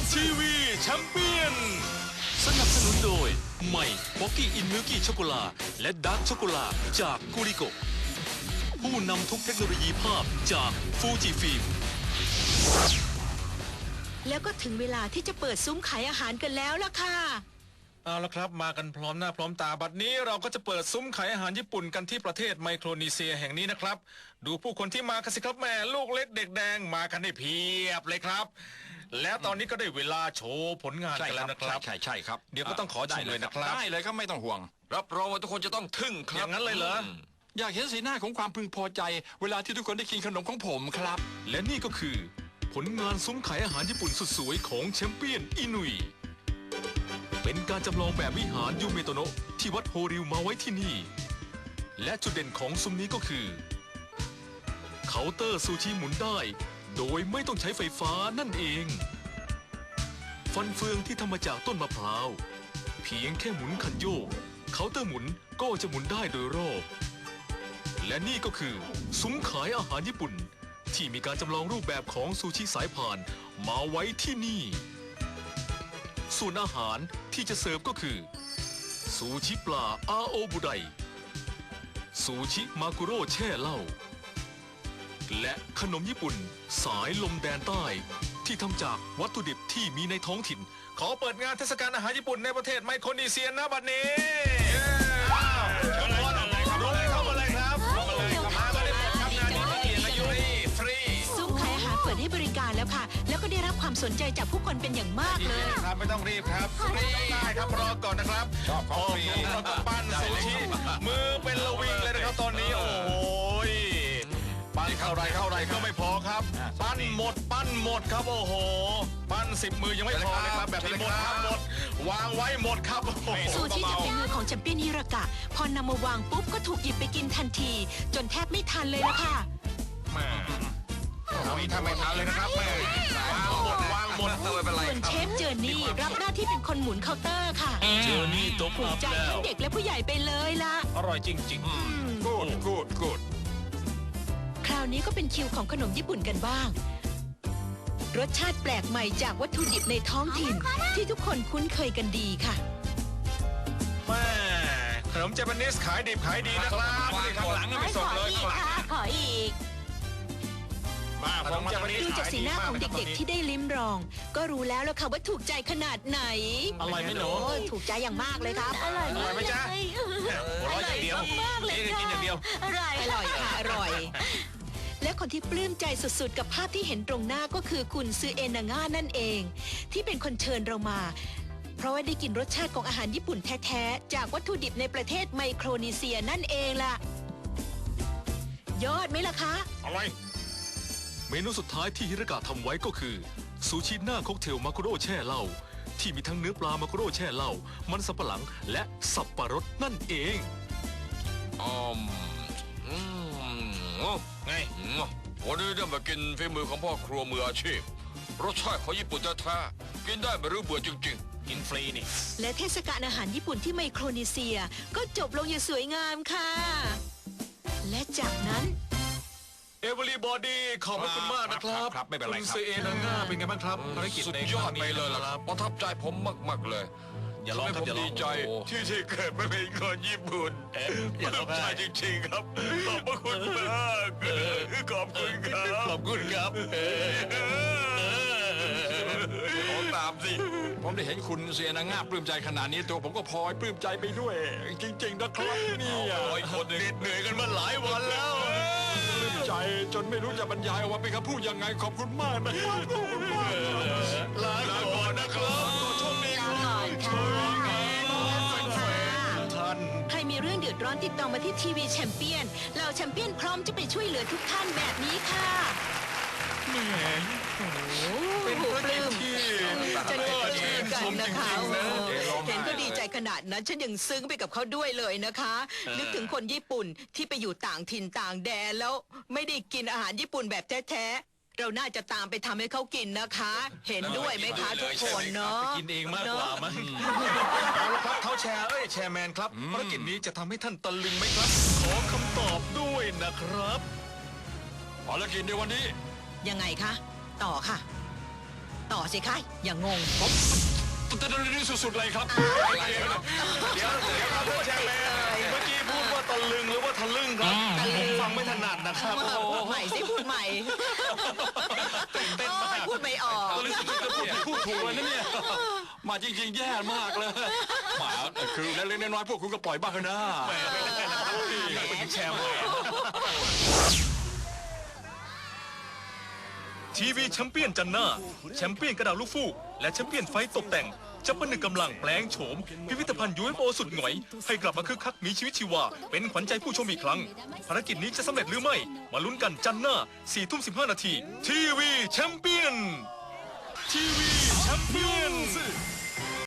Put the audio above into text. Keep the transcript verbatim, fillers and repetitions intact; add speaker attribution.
Speaker 1: ทีวีแชมเปี้ยนสนับสนุนโดยใหม่ป๊อกกี้อินมิลกี้ช็อกโกแลตและดาร์กช็อกโกแลตจากกูริโกผู้นำทุกเทคโนโลยีภาพจากฟูจิฟิล์ม
Speaker 2: แล้วก็ถึงเวลาที่จะเปิดซุ้มขายอาหารกันแล้วล่ะค่ะ
Speaker 3: เอาละครับมากันพร้อมหน้าพร้อมตาบัดนี้เราก็จะเปิดซุ้มขายอาหารญี่ปุ่นกันที่ประเทศไมโครนีเซียแห่งนี้นะครับดูผู้คนที่มากันสิครับแม่ลูกเล็กเด็กแดงมากันได้เพียบเลยครับแล้วตอนนี้ก็ได้เวลาโชว์ผลงานกันแล้วนะครับ
Speaker 4: ใช่ใช่ครับ
Speaker 3: เดี๋ยวก็ต้องขอชมเลยนะครับ
Speaker 4: ได้เลยครับไม่ต้องห่วง
Speaker 5: รับรองว่าทุกคนจะต้องทึ่งค
Speaker 3: อ
Speaker 5: รับ
Speaker 3: ย่างนั้นเลยเหรอ
Speaker 4: อยากเห็นสีหน้าของความพึงพอใจ เวลาที่ทุกคนได้กินขนมของผมครับ
Speaker 1: และนี่ก็คือผลงานซุ้มขายอาหารญี่ปุ่นสุดสวยของแชมเปี้ยนอินุยเป็นการจำลองแบบวิหารยูเมโตโนะที่วัดโฮริวมาไว้ที่นี่และจุดเด่นของซุ้มนี้ก็คือเคาน์เตอร์ซูชิหมุนได้โดยไม่ต้องใช้ไฟฟ้านั่นเองฟันเฟืองที่ทำมาจากต้นมะพร้าวเพียงแค่หมุนคันโยกเคาน์เตอร์หมุนก็จะหมุนได้โดยรอบและนี่ก็คือซุ้มขายอาหารญี่ปุ่นที่มีการจำลองรูปแบบของซูชิสายพานมาไว้ที่นี่ส่วนอาหารที่จะเสิร์ฟก็คือซูชิปลาอาโอบุไดซูชิมากุโร่แช่เหล้าและขนมญี่ปุ่นสายลมแดนใต้ที่ทำจากวัตถุดิบที่มีในท้องถิ่น
Speaker 3: ขอเปิดงานเทศกาลอาหารญี่ปุ่นในประเทศไมโครนีเซียนะบัดนี้เข้ามาเลยครับเข้ามาเลยครับเข้ามาเลยครับมาเลยครับงานนี้ไม่เกี่ยวกับยูริฟรี
Speaker 2: ซุ้มขายอาหารเปิดให้บริการแล้วค่ะแล้วก็ได้รับความสนใจจากผู้คนเป็นอย่างมากเลย
Speaker 3: ครับไม่ต้องรีบครับฟรีได้ครับรอก่อนนะครับชอบของฟรีเราก็ปั้นซูชิมือเป็นระวิงเลยนะครับตอนนี้โอ้โหปั้นเท่าไรเท่าไรก็ไม่พอครับปั้นหมดปั้นหมดครับโอ้โหปั้นสิบมือยังไม่พอเลยครับแบบนี้หมดครับหมดวางไว้หมดครับ
Speaker 2: ซูชิจากฝีมือของแชมเปี้ยนฮิรากะพอนำมาวางปุ๊บก็ถูกหยิบไปกินทันทีจนแทบไม่ทันเลยละค่ะ
Speaker 3: แม่เอานี้ทำไม่ทันเลยนะครับแม่วางหมดวางหมด
Speaker 5: ไม่เป็นไร
Speaker 2: ส่วนเชฟเจอร์นี่รับหน้าที่เป็นคนหมุนเคาน์เตอร์ค่ะ
Speaker 1: เจอนี่ตบ
Speaker 2: ถูก
Speaker 1: อัพ
Speaker 2: ใจ
Speaker 1: แล้
Speaker 2: ทั้
Speaker 1: ว
Speaker 2: งเด็กและผู้ใหญ่ไปเลยล่ะ
Speaker 3: อร่อยจริงๆกูดกูดกูด
Speaker 2: คราวนี้ก็เป็นคิวของขนมญี่ปุ่นกันบ้างรสชาติแปลกใหม่จากวัตถุดิบในท้องถิ่นที่ทุกคนคุ้นเคยกันดีค่ะ
Speaker 3: แม่ขนมเจแปนิสขายดิบขายดีนะครับข้างหลังไม่ส่งเลย
Speaker 2: ขออีก
Speaker 3: ขนมเจแปนิส
Speaker 2: ดูจากสีหน้าของเด็กๆที่ได้ลิ้มรองก็รู้แล้วล่ะค่ะว่าถูกใจขนาดไหน
Speaker 3: อร่อยไหมหนู
Speaker 2: ถูกใจอย่างมากเลยครับอร่อย
Speaker 3: อร่อยไหมจ๊ะหัวเราะอย่างเดียวนี่กินอย่างเดียว
Speaker 2: อร่อยอร่อยค่ะอร่อยและคนที่ปลื้มใจสุดๆกับภาพที่เห็นตรงหน้าก็คือคุณซือเอนาง่านั่นเองที่เป็นคนเชิญเรามาเพราะว่าได้กินรสชาติของอาหารญี่ปุ่นแท้ๆจากวัตถุดิบในประเทศไมโครนีเซียนั่นเองล่ะยอดไหมล่ะคะ
Speaker 3: อร่อย
Speaker 1: เมนูสุดท้ายที่ฮิรากะทำไว้ก็คือซูชิหน้าค็อกเทลมากุโร่แช่เหล้าที่มีทั้งเนื้อปลามากุโร่แช่เหล้ามันสับปะหลังและสับปะรดนั่นเอง
Speaker 5: อืมอืม
Speaker 3: ไง
Speaker 5: วันนี้ได้มากินฝีมือของพ่อครัวมืออาชีพรสชาติของญี่ปุ่นแท้ๆกินได้ไม่รู้เบื่อจริง
Speaker 3: ๆกินฟรีนี่
Speaker 2: และเทศกาลอาหารญี่ปุ่นที่ไมโครนีเซียก็จบลงอย่างสวยงามค่ะและจากนั้น
Speaker 3: Everybody ขอบคุณมากนะครับ
Speaker 4: ครับไม่เป็นไรครับ
Speaker 3: คุณซือเอนาง่าเป็นไงบ้างครับภารกิจ
Speaker 5: สุด
Speaker 3: ใน
Speaker 5: ยอดไปเลยล่ะครับประทับใจผมมากๆเลย
Speaker 3: อย่าร้องครับอย่าร้อง
Speaker 5: ดีใจที่ที่เกิดมาเป็นคนญี่ปุ่น
Speaker 3: อย่าร้อง
Speaker 5: ใจจริงๆครับขอบพระคุณมากขอบคุณครับ
Speaker 3: ขอบคุณครับ
Speaker 5: ขอตามสิ
Speaker 4: ผมได้เห็นคุณเซียนาง่าปลื้มใจขนาดนี้ตัวผมก็พลอยปลื้มใจไปด้วยจริงๆนะครับนี่
Speaker 5: ร้อยคนเหนื่อยกันมาหลายวันแล้ว
Speaker 4: ปลื้มใจจนไม่รู้จะบรรยายออกมาเป็นคำพูดยังไงขอบคุณมากนะครับขอบคุณมาก
Speaker 3: ลาก่อนนะครับโชคดีครับท่าน
Speaker 2: ใครมีเรื่องเดือดร้อนติดต่อมาที่ทีวีแชมเปี้ยนเราแชมเปี้ยนพร้อมจะไปช่วยเหลือทุกท่านแบบนี้ค่ะ
Speaker 3: แหม
Speaker 2: เป็นปลื้มจะได้เจอกันนะคะเห็นก็ดีใจขนาดนั้นฉันยังซึ้งไปกับเขาด้วยเลยนะคะนึกถึงคนญี่ปุ่นที่ไปอยู่ต่างถิ่นต่างแดนแล้วไม่ได้กินอาหารญี่ปุ่นแบบแท้ๆเราน่าจะตามไปทำให้เขากินนะคะเห็นด้วยไหมคะทุกคนเนาะ
Speaker 3: กินเองมากกว่ามั้งเอาละครับเขาแชร์เอ้ยแชร์แมนครับภารกิจนี้จะทำให้ท่านตะลึงไหมครับขอคำตอบด้วยนะครับ
Speaker 4: ภารกิจในวันนี้
Speaker 2: ยังไงคะต่อค่ะต่อสิคะอย่างงง
Speaker 4: ตะลึงสุดๆเลยครับ
Speaker 3: เดี๋ยวเดี๋ยวครับท่านแชมเปี้ยนเมื่อกี้พูดว่าตะลึงหรือว่าทะลึ่งครับผมฟังไม่ถนัดนะครับ
Speaker 2: พูดใหม่สิพูดใหม่
Speaker 3: ตื่นเต้นมาก
Speaker 2: พูดไม่ออก
Speaker 4: ตะลึงสุดๆจะพูดผิดพูดถูกเลยนะเนี่ยมาจริงๆแย่มากเลยมาคือเล็กๆน้อยๆพวกคุณก็ปล่อยบ้างเถอะนะ
Speaker 3: เป็นแชมป์เลย
Speaker 1: ทีวีแชมเปี้ยนจันหน้าแชมเปี้ยนกระดาษลูกฟูกและแชมเปี้ยนไฟตกแต่งจะผนึกกำลังแปลงโฉมพิพิธภัณฑ์ ยู เอฟ โอ สุดหงอยให้กลับมาคึกคักมีชีวิตชีวาเป็นขวัญใจผู้ชมอีกครั้งภารกิจนี้จะสำเร็จหรือไม่มาลุ้นกันจันหน้าสี่ทุ่มสิบห้านาทีทีวีแชมเปี้ยนทีวีแชมเปี้ยน